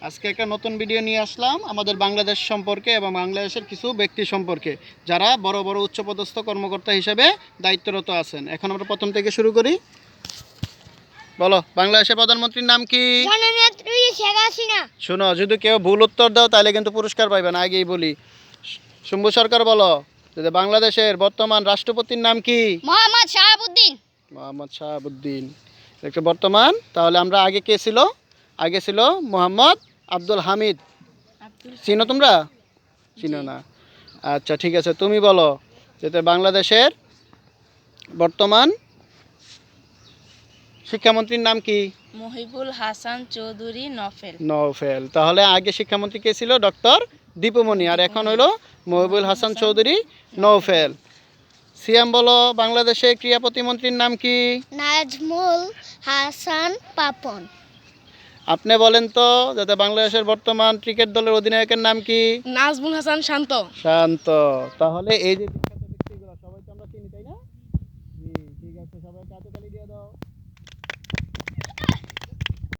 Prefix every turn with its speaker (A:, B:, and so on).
A: আজকে একটা নতুন ভিডিও নিয়ে আসলাম আমাদের বাংলাদেশ সম্পর্কে এবং বাংলাদেশের কিছু ব্যক্তি সম্পর্কে যারা বড় বড় উচ্চপদস্থ কর্মকর্তা হিসেবে দায়িত্বরত আছেন। এখন আমরা প্রথম থেকে শুরু করি। বলো, বাংলাদেশের প্রধানমন্ত্রীর নাম কি?
B: জননেত্রী শেখ হাসিনা।
A: শোনো, যদি কেউ ভুল উত্তর দাও তাহলে কিন্তু পুরস্কার পাইবে না, আগেই বলি। শম্ভু সরকার বলো, যে বাংলাদেশের বর্তমান রাষ্ট্রপতির নাম কি?
B: মোহাম্মদ শাহাবুদ্দিন।
A: মোহাম্মদ শাহাবুদ্দিন একটা বর্তমান। তাহলে আমরা আগে কে ছিল? আগে ছিল মোহাম্মদ আব্দুল হামিদ। চিনো তোমরা? চিনো না? আচ্ছা ঠিক আছে, তুমি বলো যেটা বাংলাদেশের বর্তমান শিক্ষামন্ত্রীর নাম কি?
C: মহিবুল হাসান চৌধুরী নফেল।
A: নওফেল। তাহলে আগে শিক্ষামন্ত্রী কে ছিল? ডক্টর দীপুমণি। আর এখন হলো মহিবুল হাসান চৌধুরী নওফেল। সিএম বলো, বাংলাদেশের ক্রীড়া প্রতিমন্ত্রীর নাম কি?
B: নাজমুল হাসান পাপন।
A: আপনি বলেন তো, যাতে বাংলাদেশের বর্তমান ক্রিকেট দলের অধিনায়কের নাম কি?
C: নাজমুল হাসান শান্ত।
A: শান্ত। তাহলে এই যে বিখ্যাত ব্যক্তিগুলো সবাই তো আমরা চিনি, তাই না? জি, ঠিক আছে, সবাই হাতে তালি দিয়ে দাও।